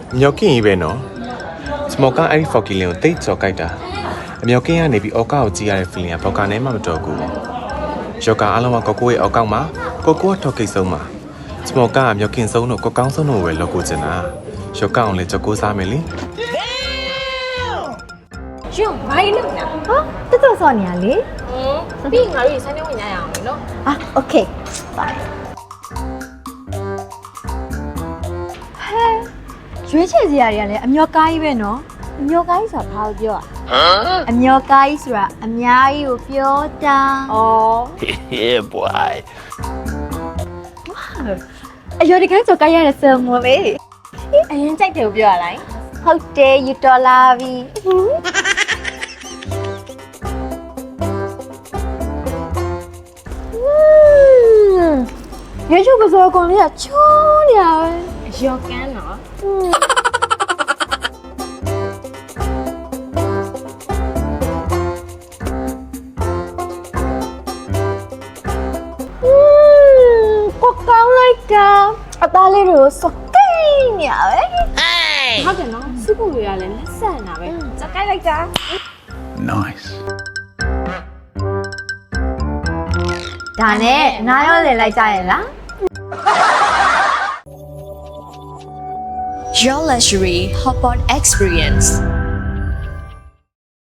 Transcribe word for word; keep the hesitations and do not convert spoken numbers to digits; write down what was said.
မြောက်ကင်းကြီးပဲနော်စမောကအဲ့ဒီဖော်ကီလင်ကိုတိတ်ကြော်ကြိုက်တာအမြောက်ကင်းကနေပြီးအော်ကောက်ကိုကြည့်ရတဲ့ feeling ကဘောက်ကနေမှမတော်ဘူးယောကာအားလုံးကကိုကိုရဲ့အောက်ကောက်မှာကိုကိုကထောက်ကိတ်ဆုံးမှာစမောကမြောက်ကင်းဆုံးတော့ကိုကောင်းဆုံးတော့ဝယ်လောက်ကိုချင်တာယောကာအောင်လေကြော်ကိုစားမယ်လေရှင်ဘာလို့လဲဟာတက်တော့စောနေရလေဟမ်ပြီးငါတို့ဆိုင်ထဲဝင်ရအောင်လေနော်အာโอเคဘိုင်ဟဲရွေးချယ်စရာတွေကလည်းအမျောကားကြီးပဲနော်အမျောကားကြီးဆိုတာဘာလို့ပြောอ่ะအမျောကားကြီးဆိုတာအများကြီးကိုပြောတာဩ Yeah boy အယောဒီကကြောက်ကြရတဲ့ဆယ်မလေးအရင်ကြိုက်တယ်ကိုပြောရလိုက်ဟုတ်တယ်ယူတော်လာပြီရေချိုးကစောကောင်လေးကချောနေရပဲအယောကန်းနော်ကိုကောင်းလိုက်တာအသားလေးတွေကိုစကိန်းနေရပဲဟုတ်တယ်နော်စုပ်တွေကလည်းလက်ဆက်နေတာပဲစကိုက်လိုက်တာ Nice ဒါနဲ့နားရောလည်လိုက်ကြရဲ့လား Your luxury hotpot experience